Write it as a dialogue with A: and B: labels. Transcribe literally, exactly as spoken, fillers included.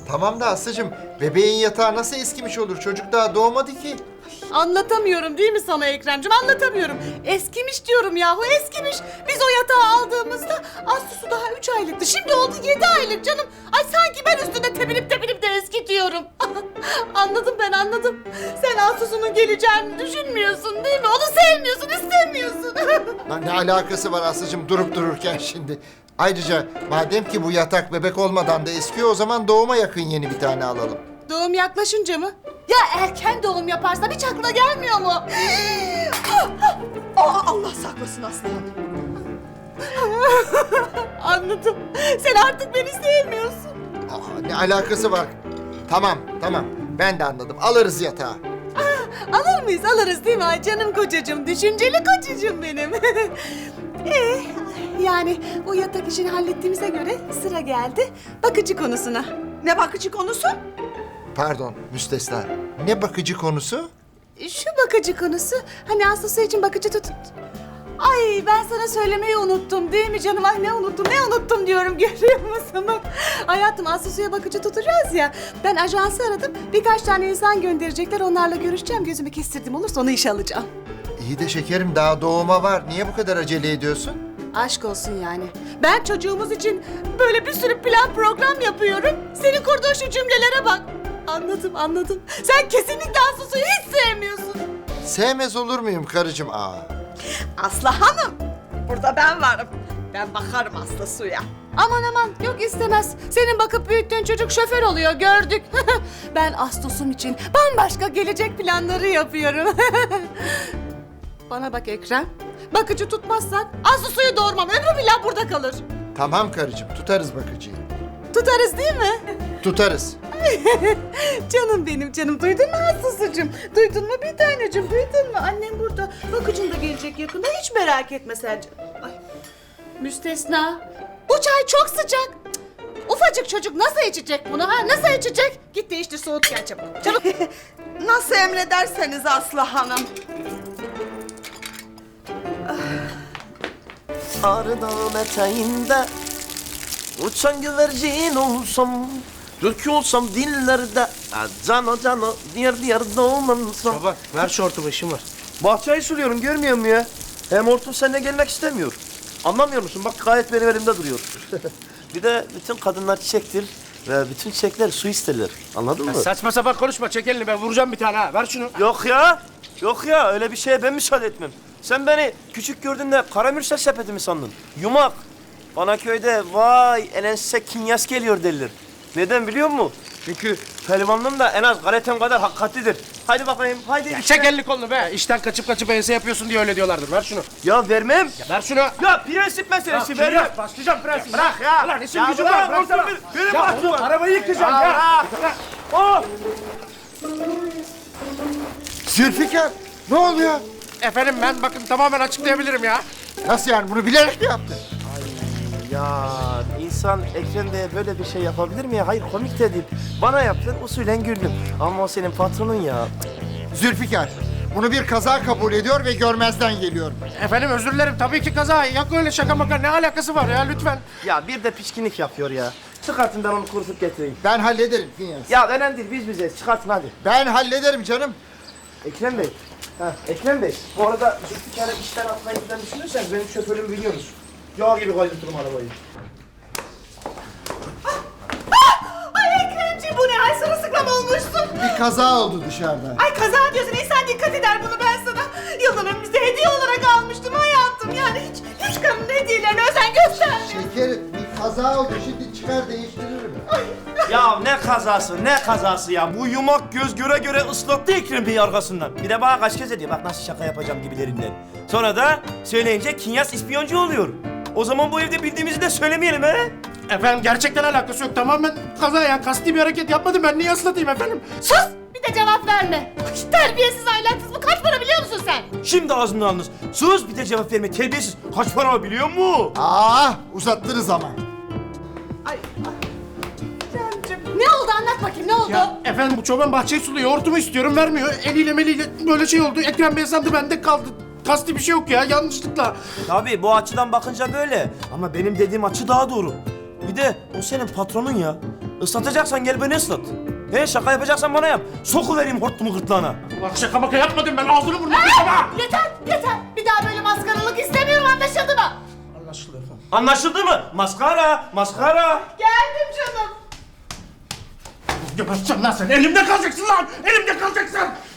A: Tamam da Aslı'cığım, bebeğin yatağı nasıl eskimiş olur? Çocuk daha doğmadı ki.
B: Anlatamıyorum değil mi sana Ekrem'cim? Anlatamıyorum. Eskimiş diyorum yahu, eskimiş. Biz o yatağı aldığımızda Aslısu daha üç aylıktı. Şimdi oldu yedi aylık canım. Ay sanki ben üstünde tepinip tepinip de eskitiyorum. Anladım ben, anladım. Sen Aslısu'nun geleceğini düşünmüyorsun değil mi? Onu sevmiyorsun, istemiyorsun.
A: Lan ne alakası var Aslı'cığım durup dururken şimdi? Ayrıca madem ki bu yatak bebek olmadan da eskiyor, o zaman doğuma yakın yeni bir tane alalım.
B: Doğum yaklaşınca mı? Ya erken doğum yaparsam hiç aklına gelmiyor mu?
C: Aa, Allah saklasın aslanım.
B: Anladım. Sen artık beni sevmiyorsun.
A: Aa, ne alakası var? Tamam, tamam. Ben de anladım. Alırız yatağı.
B: Alır mıyız? Alırız değil mi? Ay canım kocacığım, düşünceli kocacığım benim. Ee, yani bu yatak işini hallettiğimize göre sıra geldi bakıcı konusuna.
C: Ne bakıcı konusu?
A: Pardon, müstesna. Ne bakıcı konusu?
B: Şu bakıcı konusu, hani Aslısı için bakıcı tut... Ay ben sana söylemeyi unuttum değil mi canım? Ay ne unuttum, ne unuttum diyorum, görüyor musun? Bak, hayatım Aslısu'ya bakıcı tutacağız ya. Ben ajansı aradım, birkaç tane insan gönderecekler, onlarla görüşeceğim. Gözümü kestirdim, olursa onu işe alacağım.
A: İyi de şekerim, daha doğuma var. Niye bu kadar acele ediyorsun?
B: Aşk olsun yani. Ben çocuğumuz için böyle bir sürü plan program yapıyorum. Senin kurduğun şu cümlelere bak. Anladım, anladım. Sen kesinlikle Aslısu'yu hiç sevmiyorsun.
A: Sevmez olur muyum karıcığım? Aa.
C: Aslı Hanım, burada ben varım. Ben bakarım Aslı suya.
B: Aman aman, yok istemez. Senin bakıp büyüttüğün çocuk şoför oluyor, gördük. Ben Aslus'um için bambaşka gelecek planları yapıyorum. Bana bak Ekrem. Bakıcı tutmazsak Aslus'u doğurmam. Ömrü billah burada kalır.
A: Tamam karıcığım, tutarız bakıcıyı.
B: Tutarız değil mi?
A: Tutarız.
B: Canım benim canım, duydun mu Aslısucuğum? Duydun mu bir tanecim, duydun mu? Annem burada, bakıcın da gelecek yakında, hiç merak etme sen canım. Ay. Müstesna, bu çay çok sıcak. Cık, ufacık çocuk nasıl içecek bunu ha? Nasıl içecek? Git değiştir, soğut gel çabuk. Çabuk.
C: Nasıl emrederseniz Aslı Hanım.
D: Ağrı Dağı'nın eteğinde uçan güvercin olsam, Türk olsam dillerde, cano cano diğer diğer doğmansam.
E: Baba ver şu hortumu, işim var.
D: Bahçeyi suluyorum, görmüyor musun ya? Hem hortum seninle gelmek istemiyor. Anlamıyor musun? Bak gayet benim elimde duruyor. Bir de bütün kadınlar çiçektir ve bütün çiçekler su isterler. Anladın
E: Ya
D: mı?
E: saçma sapan konuşma, çek elini, ben vuracağım bir tane ha. Ver şunu.
D: Yok ya, yok ya. Öyle bir şeye ben müsaade etmem. Sen beni küçük gördüğünde karamürsel sepeti mi sandın? Yumak. Bana köyde vay enense kinyas geliyor derler. Neden biliyor musun? Çünkü pehlivanlığım da en az galetem kadar hakikatlidir. Haydi bakayım, haydi.
E: Ya
D: işte.
E: çek elini kolunu be. İşten kaçıp kaçıp ense yapıyorsun diye öyle diyorlardır. Ver şunu.
D: Ya vermem.
E: Ya ver şunu.
D: Ya prensip meselesi
E: Ya,
D: vermem.
E: ya, başlayacağım prensip.
D: Bırak ya.
E: Ulan işin
D: Ya
E: gücün
D: bırak,
E: var. Bıraksana.
D: olsun, benim
E: Ya
D: bahçem
E: oğlum,
D: var.
E: arabayı yıkacağım
D: Ya
E: ya.
D: bırak. Oh!
A: Zülfikar, ne oluyor?
E: Efendim ben bakın tamamen açıklayabilirim ya.
A: Nasıl yani, bunu bilerek mi yaptın?
D: Ya insan Ekrem Bey'e böyle bir şey yapabilir mi ya? Hayır komik de değil. Bana yaptın usulen güldüm. Ama o senin patronun ya.
A: Zülfikar, bunu bir kaza kabul ediyor ve görmezden geliyorum.
E: Efendim özür dilerim, tabii ki kaza. Yok öyle şaka maka, ne alakası var ya lütfen.
D: Ya bir de pişkinlik yapıyor ya. Çıkartın ben onu kurutup getireyim.
A: Ben hallederim Finyas.
D: Ya önemli değil biz bizeyiz. Çıkartın hadi.
A: Ben hallederim canım.
D: Ekrem Bey. Ha, Ekrem Bey. Bu arada bir kere işten atmayı falan düşünürseniz benim şoförümü biliyorsunuz. Yağ gibi kaydırtırım arabayı.
B: Ay Ekremciğim, bu ne? Ay sırılsıklam olmuşsun.
A: Bir kaza oldu dışarıda.
B: Ay kaza diyorsun, insan dikkat eder, bunu ben sana yıldan önümüzde hediye olarak almıştım hayatım. Yani hiç, hiç kadın hediyelerine özen göstermiyor.
A: Şekerim, bir kaza oldu. Şimdi çıkar değiştiririm.
D: Ya ne kazası ne kazası ya. Bu yumak göz göre göre ıslattı Ekrem Bey'i arkasından. Bir de bana kaç kez ediyor. Bak nasıl şaka yapacağım gibilerinden. Sonra da söyleyince Kinyas ispiyoncu oluyor. O zaman bu evde bildiğimizi de söylemeyelim he.
E: Efendim gerçekten alakası yok, tamamen kaza ya. Kasti bir hareket yapmadım, ben niye ıslatayım efendim?
B: Sus! Bir de cevap verme. Ay, terbiyesiz, ahlaksız, bu kaç para biliyor musun sen?
D: Şimdi ağzını alınız. Sus bir de cevap verme terbiyesiz. Kaç para o biliyor musun?
A: Aa, uzattınız ama.
B: Ne oldu, anlat bakayım, ne oldu?
E: Ya efendim bu çoban bahçeyi suluyor, hortumu istiyorum, vermiyor. Eliyle meliyle böyle şey oldu. Ekrem Bey sandı, bende kaldı. Kasti bir şey yok ya, yanlışlıkla.
D: Tabii bu açıdan bakınca böyle. Ama benim dediğim açı daha doğru. Bir de o senin patronun ya. Islatacaksan gel beni ıslat. He şaka yapacaksan bana yap. Sokuvereyim hortumu gırtlağına.
E: Ulan şaka maka yapmadım ben ağzını burnunu kırma.
B: Yeter yeter. Bir daha böyle maskaralık istemiyorum, anlaşıldı mı?
E: Anlaşıldı efendim.
D: Anlaşıldı mı? Maskara, maskara.
B: Geldim canım.
E: Geberteceğim lan seni. Elimde kalacaksın lan. Elimde kalacaksın.